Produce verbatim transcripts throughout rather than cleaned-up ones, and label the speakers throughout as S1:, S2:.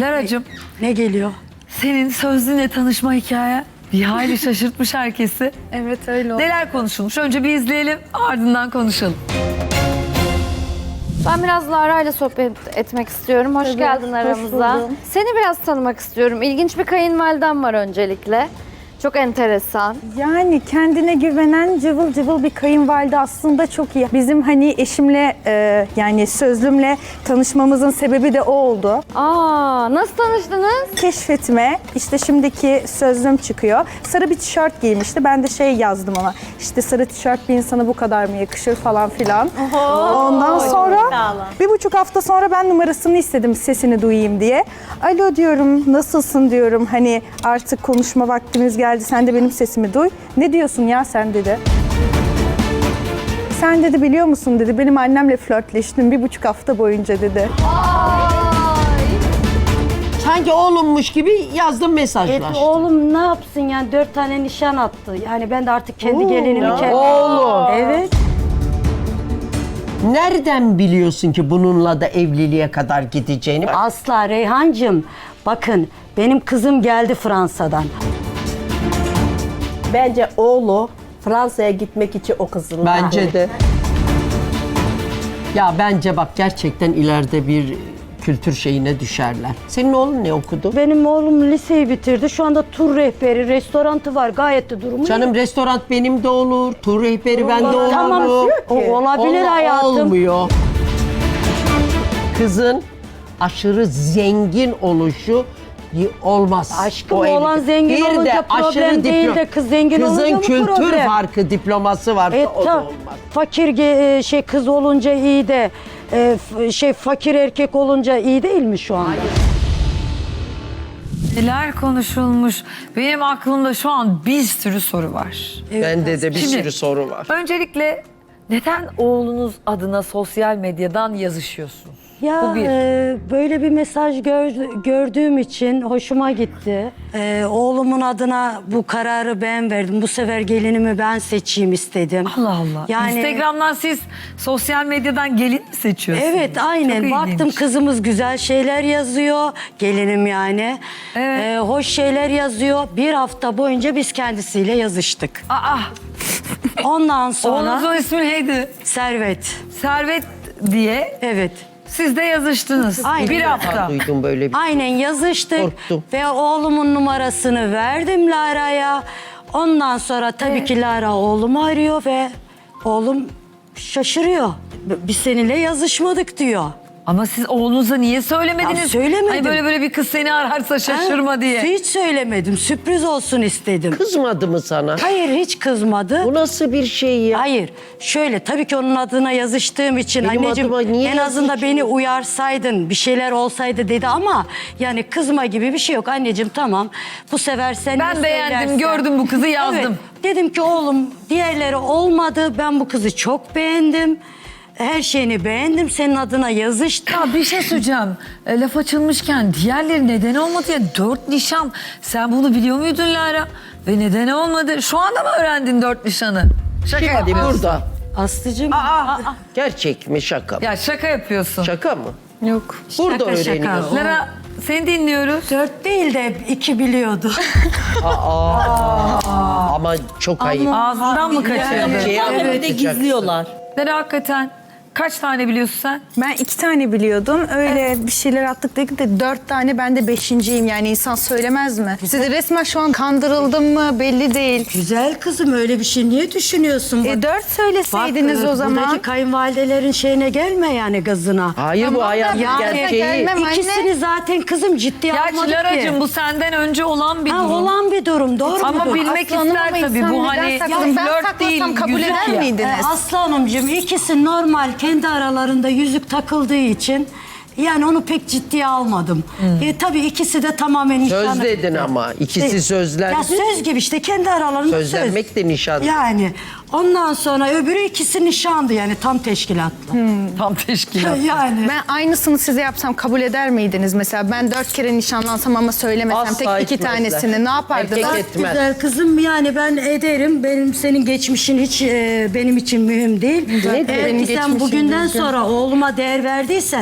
S1: Lara'cığım,
S2: Ne geliyor?
S1: senin sözlüğünle tanışma hikaye bir hayli şaşırtmış herkesi.
S3: Evet öyle oldu.
S1: Neler konuşulmuş? Önce bir izleyelim, ardından konuşalım.
S4: Ben biraz Lara ile sohbet etmek istiyorum. Hoş
S3: Tabii,
S4: geldin
S3: hoş
S4: aramıza.
S3: buldum.
S4: Seni biraz tanımak istiyorum. İlginç bir kayınvaliden var öncelikle. Çok enteresan.
S3: Yani kendine güvenen cıvıl cıvıl bir kayınvalide aslında çok iyi. Bizim hani eşimle e, yani sözlümle tanışmamızın sebebi de o oldu.
S4: Aa, nasıl tanıştınız?
S3: Keşfetime işte şimdiki sözlüm çıkıyor. Sarı bir tişört giymişti. Ben de şey yazdım ona. İşte sarı tişört bir insana bu kadar mı yakışır falan filan. Ondan sonra bir buçuk hafta sonra ben numarasını istedim sesini duyayım diye. Alo diyorum, nasılsın diyorum. Hani artık konuşma vaktimiz geldi. Sen de benim sesimi duy. Ne diyorsun ya sen dedi. Sen dedi biliyor musun dedi. Benim annemle flörtleştim bir buçuk hafta boyunca dedi.
S5: Sanki oğlummuş gibi yazdım
S2: Evet,
S5: mesajlar.
S2: oğlum ne yapsın yani dört tane nişan attı. Yani ben de artık kendi gelinimi kendim...
S5: Oğlum.
S2: Evet.
S5: Nereden biliyorsun ki bununla da evliliğe kadar gideceğini?
S2: Asla Reyhancığım. Bakın benim kızım geldi Fransa'dan.
S6: Bence oğlu Fransa'ya gitmek için o kızın.
S5: Bence de. Ya bence bak gerçekten ileride bir kültür şeyine düşerler. Senin oğlun ne okudu?
S2: Benim oğlum liseyi bitirdi. Şu anda tur rehberi, restorantı var. Gayet de durumu iyi.
S5: Canım restoran benim de olur, tur rehberi bende olur.
S2: Tamam, o olabilir
S5: Olma-
S2: hayatım.
S5: Olmuyor. Kızın aşırı zengin oluşu y- olmaz.
S2: Aşkım,
S5: O
S2: oğlan
S5: evlilik.
S2: zengin
S5: Bir de
S2: olunca problem
S5: aşırı
S2: değil
S5: diplom-
S2: de kız zengin
S5: Kızın
S2: olunca mı
S5: kültür
S2: problem?
S5: farkı, diploması varsa
S2: E,
S5: o da
S2: ta-
S5: olmaz.
S2: fakir ge- e, şey kız olunca iyi de e, f- şey fakir erkek olunca iyi değil mi şu anda?
S1: Neler konuşulmuş? Benim aklımda şu an bir sürü soru var.
S5: Bende de bir
S1: Şimdi-
S5: sürü soru var.
S1: Öncelikle neden oğlunuz adına sosyal medyadan yazışıyorsunuz?
S2: Ya
S1: Bu bir.
S2: e, böyle bir mesaj gör- gördüğüm için hoşuma gitti. E, oğlumun adına bu kararı ben verdim. Bu sefer gelinimi ben seçeyim istedim.
S1: Allah Allah.
S2: Yani
S1: Instagram'dan siz sosyal medyadan gelin mi seçiyorsunuz?
S2: evet, aynen.
S1: Çok
S2: Baktım
S1: ilginç.
S2: kızımız güzel şeyler yazıyor. Gelinim yani.
S1: Evet.
S2: E, hoş şeyler yazıyor. Bir hafta boyunca biz kendisiyle yazıştık.
S1: Aa,
S2: Ondan sonra
S1: oğlunuzun ismi neydi?
S2: Servet.
S1: Servet diye
S2: Evet.
S1: siz de yazıştınız.
S2: Aynen.
S1: Bir hafta.
S5: Duydum böyle bir
S2: Aynen yazıştık.
S5: Korktum.
S2: Ve oğlumun numarasını verdim Lara'ya. Ondan sonra tabii ki Lara oğlumu arıyor ve oğlum şaşırıyor. Biz seninle yazışmadık diyor.
S1: Ama siz oğlunuza niye söylemediniz?
S2: Ya söylemedim.
S1: Hani böyle böyle bir kız seni ararsa şaşırma
S2: Ha,
S1: diye.
S2: Hiç söylemedim. Sürpriz olsun istedim.
S5: kızmadı mı sana?
S2: Hayır, hiç kızmadı.
S5: Bu nasıl bir şey ya?
S2: Hayır. Şöyle, tabii ki onun adına yazıştığım için
S5: Benim
S2: anneciğim
S5: adıma niye
S2: en azından
S5: yazışıyorsun?
S2: beni uyarsaydın, bir şeyler olsaydı dedi ama yani kızma gibi bir şey yok anneciğim, tamam. Bu sefer sen
S1: Ben
S2: ne
S1: beğendim,
S2: söylersen-
S1: gördüm bu kızı, yazdım.
S2: Evet. Dedim ki oğlum diğerleri olmadı. Ben bu kızı çok beğendim. Her şeyini beğendim. Senin adına yazıştım.
S1: Ya bir şey söyleyeceğim. E, laf açılmışken diğerleri neden olmadı ya? Dört nişan. Sen bunu biliyor muydun Lara? Ve neden olmadı? Şu anda mı öğrendin dört nişanı? Şaka
S5: Şimdi
S1: yapıyorsun.
S5: burada.
S2: Aslıcığım.
S1: Aa,
S5: Gerçek mi şaka mı?
S1: ya şaka yapıyorsun.
S5: Şaka mı?
S1: Yok.
S5: Burada
S2: Şaka, şaka.
S5: öğreniyorsun.
S1: Lara seni dinliyoruz.
S2: Dört değil de iki biliyordu.
S5: Ama çok ayıp.
S1: Ağzından mı kaçırdı?
S5: Gerçeği anlatacaksın.
S1: Lara hakikaten kaç tane biliyorsun sen?
S3: Ben iki tane biliyordum. Öyle bir şeyler attık dedik de dört tane, ben de beşinciyim. Yani insan söylemez mi? Siz resmen şu an kandırıldım mı belli değil.
S2: Güzel kızım, öyle bir şey niye düşünüyorsun?
S3: E dört söyleseydiniz
S2: Bak,
S3: o zaman.
S2: Buradaki kayınvalidelerin şeyine gelme yani, gazına.
S5: Hayır bu hayatın
S3: yani
S5: gerçeği.
S3: gelmem. anne.
S2: İkisini zaten kızım ciddiye
S1: Gerçi
S2: almadık
S1: Lara'cığım
S2: ki.
S1: bu senden önce olan bir
S2: Ha,
S1: durum.
S2: olan bir durum, doğru bir
S1: Ama
S2: durum.
S1: bilmek
S3: Aslanım
S1: ister
S3: ama
S1: tabii.
S3: insan
S1: Bu
S3: neden
S1: hani
S3: saklasın? Ben
S1: flört
S3: saklasam
S1: değil,
S3: kabul
S1: yüzük
S3: eder
S1: ya.
S3: miydiniz?
S2: Ee, Aslı Hanımcığım, ikisi normal kendi aralarında yüzük takıldığı için yani onu pek ciddiye almadım. E, tabii ikisi de tamamen nişanlı.
S5: Söz dedin ama. İkisi
S2: E,
S5: sözlendi.
S2: Ya söz gibi işte, kendi aralarında söz.
S5: Sözlenmek de nişan.
S2: Yani ondan sonra öbürü ikisi nişandı yani, tam teşkilatlı.
S1: Tam teşkilat.
S2: Yani.
S3: Ben aynısını size yapsam kabul eder miydiniz? Mesela ben dört kere nişanlansam ama söylemesem
S5: Asla
S3: tek iki
S5: etmezler.
S3: tanesini ne yapardınız?
S5: Erkek
S2: Bak
S5: etmez.
S2: güzel kızım, yani ben ederim. Benim senin geçmişin hiç e, benim için mühim değil.
S3: Nedir
S2: Eğer
S3: benim
S2: ki sen
S3: geçmişim
S2: bugünden
S3: düzgün?
S2: sonra oğluma değer verdiysen,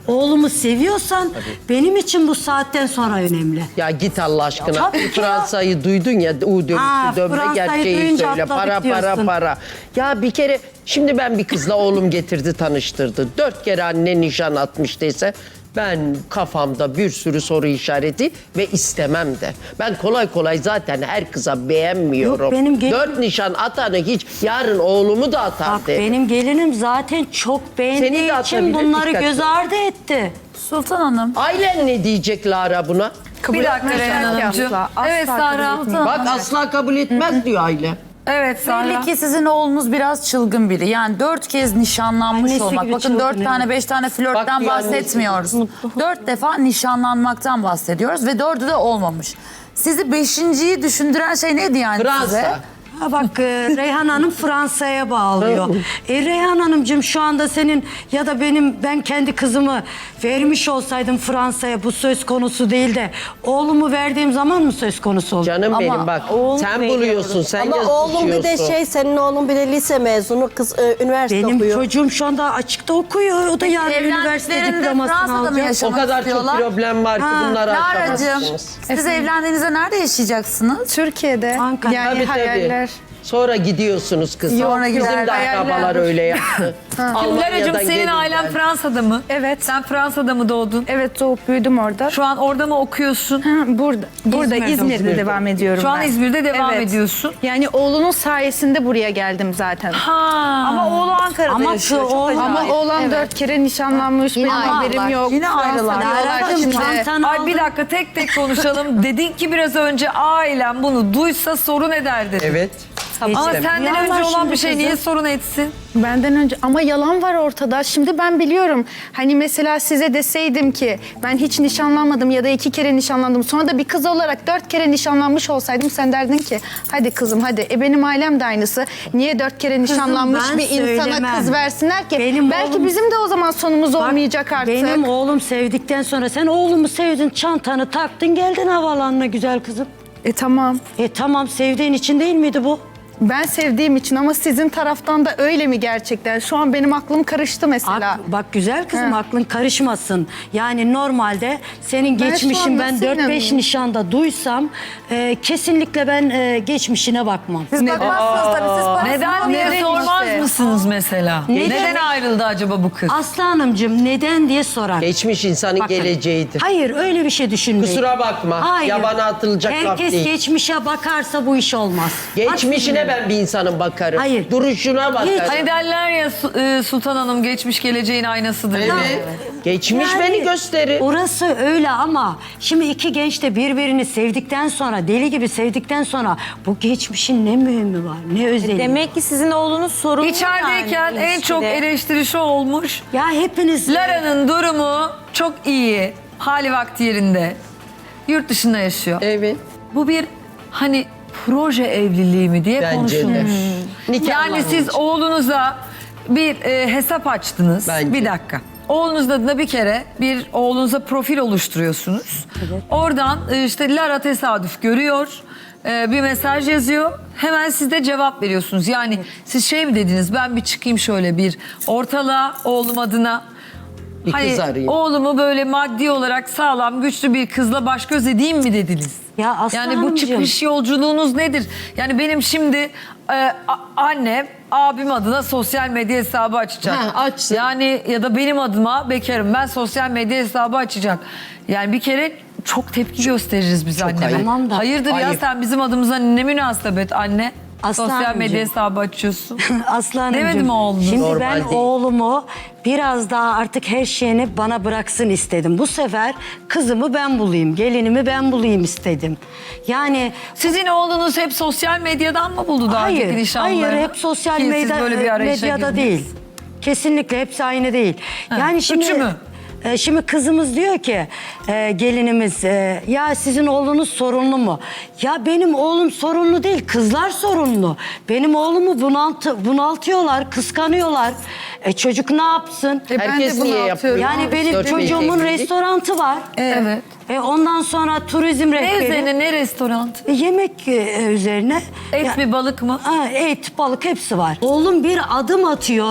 S2: oğlumu seviyorsan benim için bu saatten sonra önemli.
S5: Ya git Allah aşkına.
S2: Tabii ki ya.
S5: Fransa'yı duydun ya, U dönüşü
S2: Ha,
S5: dönme
S2: Fransa'yı
S5: gerçeği
S2: duyunca
S5: söyle.
S2: atladık
S5: Para para
S2: diyorsun.
S5: para. Ya bir kere şimdi ben bir kızla oğlum getirdi tanıştırdı. Dört kere anne nişan atmıştıysa ben kafamda bir sürü soru işareti ve istemem de. Ben kolay kolay zaten her kıza beğenmiyorum.
S2: Yok, benim gelin-
S5: Dört nişan atanı hiç yarın oğlumu da atar
S2: Bak
S5: derim.
S2: benim gelinim zaten çok
S5: Seni
S2: beğendiği
S5: de
S2: için
S5: atabilir,
S2: bunları
S5: dikkat
S2: göz
S5: et.
S2: ardı etti.
S1: Sultan Hanım.
S5: Ailen ne diyecek Lara buna?
S1: bir dakika Reyhan Hanımcığım. Evet Sahra.
S5: Bak asla kabul etmez diyor aile.
S1: Evet Sahra.
S7: Belli ki sizin oğlunuz biraz çılgın biri. Yani dört kez nişanlanmış
S2: Annesi
S7: olmak.
S2: gibi
S7: Bakın
S2: çılgın,
S7: dört
S2: evet.
S7: tane beş tane
S5: Bak
S7: flörtten
S5: bir annesi
S7: bahsetmiyoruz. Dört defa nişanlanmaktan bahsediyoruz ve dördü de olmamış. Sizi beşinciyi düşündüren şey neydi yani size?
S5: Fransa.
S2: Ha bak e, Reyhan Hanım Fransa'ya bağlıyor. e, Reyhan Hanımcığım şu anda senin ya da benim ben kendi kızımı vermiş olsaydım Fransa'ya bu söz konusu değil de oğlumu verdiğim zaman mı söz konusu olur?
S5: Canım benim bak sen buluyorsun, sen
S6: Ama oğlum bir de
S5: yazışıyorsun.
S6: şey, senin oğlun bir de lise mezunu, kız e, üniversite
S2: Benim
S6: okuyor.
S2: çocuğum şu anda açıkta okuyor. O da yarın üniversite
S7: Evlendiklerinde
S2: diplomasını
S7: Fransa'da mı
S2: alacak.
S7: yaşamak
S5: O kadar
S7: istiyorlar?
S5: çok problem var ki bunları
S7: Lara'cığım
S5: aşamazsınız.
S7: siz evlendiğinizde nerede yaşayacaksınız?
S3: Türkiye'de
S2: Ankara.
S3: yani
S5: Tabii, tabii.
S3: hayaller.
S5: Sonra gidiyorsunuz kızım.
S3: Sonra
S5: Bizim
S3: gider,
S5: de
S3: hayaller.
S5: akrabalar öyle yaptı.
S1: Lara'cığım
S5: Almanya'dan
S1: senin
S5: gelin
S1: ailen
S5: geldi.
S1: Fransa'da mı?
S3: Evet.
S1: Sen Fransa'da mı doğdun?
S3: Evet, doğup büyüdüm orada.
S1: Şu an orada mı okuyorsun?
S3: Ha, burada burada
S1: İzmir'de.
S3: İzmir'de,
S1: İzmir'de.
S3: devam ediyorum
S1: Şu an
S3: ben.
S1: İzmir'de devam
S3: Evet.
S1: ediyorsun.
S3: Yani oğlunun sayesinde buraya geldim zaten.
S1: Ha.
S3: Ama oğlu Ankara'da
S2: Ama
S3: yaşıyor.
S2: şu
S3: Çok
S2: oğlan-
S3: acayip. Ama oğlan dört kere nişanlanmış. Benim haberim yok.
S7: Yine ayrılar.
S2: Lara'cığım
S3: şimdi.
S2: çantanı
S1: Ay
S2: aldın.
S1: bir dakika tek tek konuşalım. Dedin ki biraz önce ailem bunu duysa sorun eder dedin.
S5: Evet.
S1: Ama
S5: İstemem.
S1: senden
S2: Yalan
S1: önce olan
S2: şimdi
S1: bir şey
S2: kızım.
S1: niye sorun etsin?
S3: Benden önce ama yalan var ortada. Şimdi ben biliyorum. Hani mesela size deseydim ki ben hiç nişanlanmadım ya da iki kere nişanlandım. Sonra da bir kız olarak dört kere nişanlanmış olsaydım sen derdin ki hadi kızım hadi. E benim ailem de aynısı. Niye dört kere nişanlanmış
S2: ben
S3: bir insana
S2: söylemem.
S3: kız versinler ki?
S2: Benim
S3: Belki
S2: oğlum-
S3: bizim de o zaman sonumuz
S2: Bak,
S3: olmayacak artık.
S2: Benim oğlum sevdikten sonra sen oğlumu sevdin, çantanı taktın, geldin havaalanına güzel kızım.
S3: E tamam.
S2: E tamam sevdiğin için değil miydi bu?
S3: Ben sevdiğim için ama sizin taraftan da öyle mi gerçekten? Şu an benim aklım karıştı mesela.
S2: Ak- bak güzel kızım
S3: He.
S2: aklın karışmasın. Yani normalde senin
S3: Ben şu
S2: geçmişin
S3: an
S2: ben
S3: nasıl
S2: dört beş
S3: inanayım?
S2: nişanda duysam e, kesinlikle ben e, geçmişine bakmam.
S7: Siz bakmazsınız tabii, siz parasını
S1: Neden diye
S7: alın.
S1: sormaz
S3: işte.
S1: mısınız mesela?
S2: Neden?
S1: Neden ayrıldı acaba bu kız?
S2: Aslı Hanımcığım neden diye sorar.
S5: Geçmiş insanın
S2: Bakın,
S5: geleceğidir.
S2: Hayır öyle bir şey düşünmeyin.
S5: Kusura bakma, yabana atılacak laf
S2: Herkes
S5: değil.
S2: geçmişe bakarsa bu iş olmaz.
S5: Geçmişine ben bir insanın bakarım.
S2: Hayır.
S5: Duruşuna bakarım.
S1: Hani derler ya Su- e, Sultan Hanım geçmiş geleceğin aynasıdır.
S5: Evet. Geçmiş
S2: Yani
S5: beni gösterir.
S2: Orası öyle ama şimdi iki genç de birbirini sevdikten sonra, deli gibi sevdikten sonra bu geçmişin ne mühimi var, ne özelliği?
S8: Demek ki sizin oğlunuz sorunlu
S1: İçerideyken
S8: yani
S1: en çok
S8: ilişkide.
S1: eleştiri şu olmuş.
S2: Ya hepiniz...
S1: Lara'nın durumu çok iyi. Hali vakti yerinde. Yurt dışında yaşıyor.
S5: Evet.
S1: Bu bir hani proje evliliği mi diye
S5: Bence
S1: konuşulmuş.
S5: de. Nikahlanmış.
S1: Yani siz oğlunuza bir e, hesap açtınız.
S5: Bence.
S1: Bir dakika. Oğlunuz adına bir kere bir oğlunuza profil oluşturuyorsunuz. Oradan e, işte Lara tesadüf görüyor. e, bir mesaj yazıyor. Hemen siz de cevap veriyorsunuz. Yani siz şey mi dediniz? Ben bir çıkayım şöyle bir ortalığa oğlum adına.
S5: Bir kız
S1: Hani
S5: arayayım.
S1: oğlumu böyle maddi olarak sağlam, güçlü bir kızla baş göz edeyim mi dediniz?
S2: Ya Aslı
S1: Yani bu
S2: Hanımcığım.
S1: çıkış yolculuğunuz nedir? Yani benim şimdi e, a- annem abim adına sosyal medya hesabı açacak.
S5: Ha, açsın.
S1: Yani ya da benim adıma bekarım ben sosyal medya hesabı açacak. Yani bir kere çok tepki gösteririz biz anneme.
S5: ayıp.
S2: Tamam da-
S1: Hayırdır ya
S5: Ayıp.
S1: sen bizim adımıza ne münasebet anne?
S2: Aslı
S1: sosyal medya
S2: Hanımcığım.
S1: hesabı açıyorsun.
S2: Aslı Hanımcığım,
S1: Demedim oğlum.
S2: Şimdi
S5: Normal
S2: ben
S5: değil.
S2: oğlumu biraz daha artık her şeyini bana bıraksın istedim. Bu sefer kızımı ben bulayım, gelinimi ben bulayım istedim. Yani
S1: Sizin oğlunuz hep sosyal medyadan mı buldu daha önceki
S2: hayır,
S1: nişanlarını?
S2: hayır hep sosyal
S1: Ki siz
S2: medya,
S1: böyle bir arayışa
S2: medyada
S1: girdiniz.
S2: değil. Kesinlikle hepsi aynı değil. yani şimdi
S1: üçü mü?
S2: e, Şimdi kızımız diyor ki e, gelinimiz e, ya sizin oğlunuz sorunlu mu? Ya benim oğlum sorunlu değil, kızlar sorunlu. Benim oğlumu bunaltı, bunaltıyorlar, kıskanıyorlar. E, çocuk ne yapsın?
S3: E, ben
S5: Herkes
S3: de
S5: niye
S3: bunu
S5: yapıyor?
S3: atıyorum.
S2: Yani benim
S5: Dört
S2: çocuğumun
S5: beş evlilik.
S2: restorantı var.
S1: Evet.
S2: E, ondan sonra turizm
S1: Ne
S2: rehberi.
S1: üzerine ne restoran?
S2: E, yemek e, üzerine.
S1: Et
S2: Ya-
S1: mi balık mı?
S2: Ha, et, balık hepsi var. Oğlum bir adım atıyor.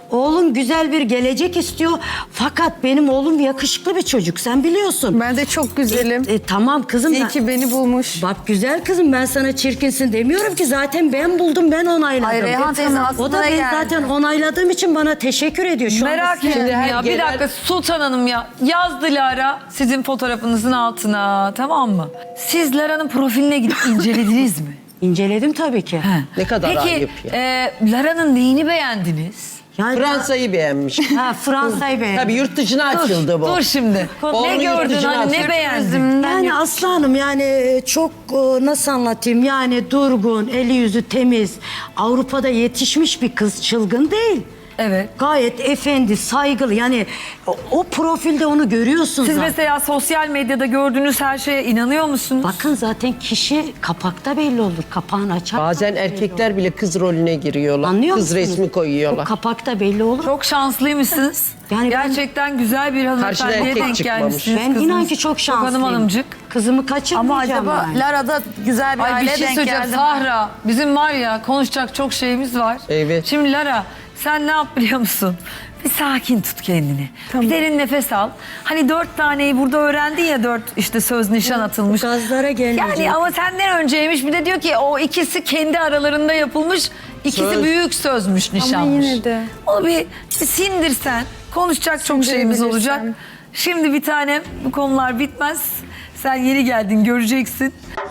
S2: Oğlum güzel bir gelecek istiyor. Fakat benim oğlum yakışıklı bir çocuk. Sen biliyorsun.
S3: Ben de çok güzelim.
S2: E, tamam kızım.
S3: İyi
S2: ben-
S3: ki beni bulmuş.
S2: Bak güzel kızım, ben sana çirkinsin demiyorum ki, zaten ben buldum, ben onayladım.
S7: Hayır, Reyhan
S2: E,
S7: teyze
S2: tamam.
S7: aklına
S2: O da
S7: ne
S2: ben
S7: geldi?
S2: zaten onayladığım için bana teşekkür ediyor. Şu anda
S1: Merak
S2: size-
S1: ettim
S5: her
S1: ya. Bir
S5: genel-
S1: dakika Sultan Hanım ya. Yazdı Lara sizin fotoğrafınızın altına, tamam mı? Siz Lara'nın profiline gidip incelediniz mi?
S2: İnceledim tabii ki.
S1: He.
S5: Ne kadar
S1: Peki,
S5: ayıp ya.
S1: e, Lara'nın neyini beğendiniz?
S2: Yani
S5: Fransa'yı beğenmiş.
S2: Ha, Fransa'yı beğendim.
S5: Tabii yurt dışına açıldı bu.
S1: Dur şimdi.
S5: Oğlunu
S1: Ne
S5: yurt
S1: gördün
S5: dışına
S1: hani ne
S5: atıyor.
S1: beğendin?
S2: Yani Aslı Hanım, yani çok e, nasıl anlatayım, yani durgun, eli yüzü temiz, Avrupa'da yetişmiş bir kız, çılgın değil.
S1: Evet.
S2: Gayet efendi, saygılı, yani o, o profilde onu görüyorsun
S1: Siz
S2: zaten.
S1: mesela sosyal medyada gördüğünüz her şeye inanıyor musunuz?
S2: Bakın zaten kişi kapakta belli olur, kapağını açar.
S5: Bazen erkekler bile kız rolüne giriyorlar.
S2: Anlıyor
S5: Kız
S2: musunuz?
S5: resmi koyuyorlar.
S2: O kapakta belli olur.
S1: Çok şanslıymışsınız.
S2: Yani ben-
S1: Gerçekten güzel bir
S5: Karşına
S1: hanımefendiye
S5: erkek
S1: denk
S5: çıkmamış.
S1: gelmişsiniz.
S2: Ben inan
S1: kızınız.
S2: ki çok
S1: Hanım
S2: şanslıyım.
S1: hanımcık.
S2: Kızımı
S7: Ama
S2: kaçırmayacağım
S7: acaba
S2: yani.
S7: Lara'da güzel bir
S1: Ay bir
S7: aileye
S1: şey
S7: denk
S1: söyleyeceğim
S7: geldi mi?
S1: Sahra. Bizim var ya konuşacak çok şeyimiz var.
S5: Evet.
S1: Şimdi Lara sen ne yap biliyor musun? Bir sakin tut kendini. Bir derin nefes al. Hani dört taneyi burada öğrendin ya, dört işte söz nişan atılmış.
S2: Gazlara gelmeyecek.
S1: Yani ama senden önceymiş. Bir de diyor ki o ikisi kendi aralarında yapılmış. İkisi
S5: Söz.
S1: büyük sözmüş, nişanmış.
S3: yine de.
S1: Onu bir, bir sindirsen konuşacak çok şeyimiz olacak.
S3: Sindirebilirsem.
S1: Şimdi bir tanem bu konular bitmez. Sen yeni geldin göreceksin.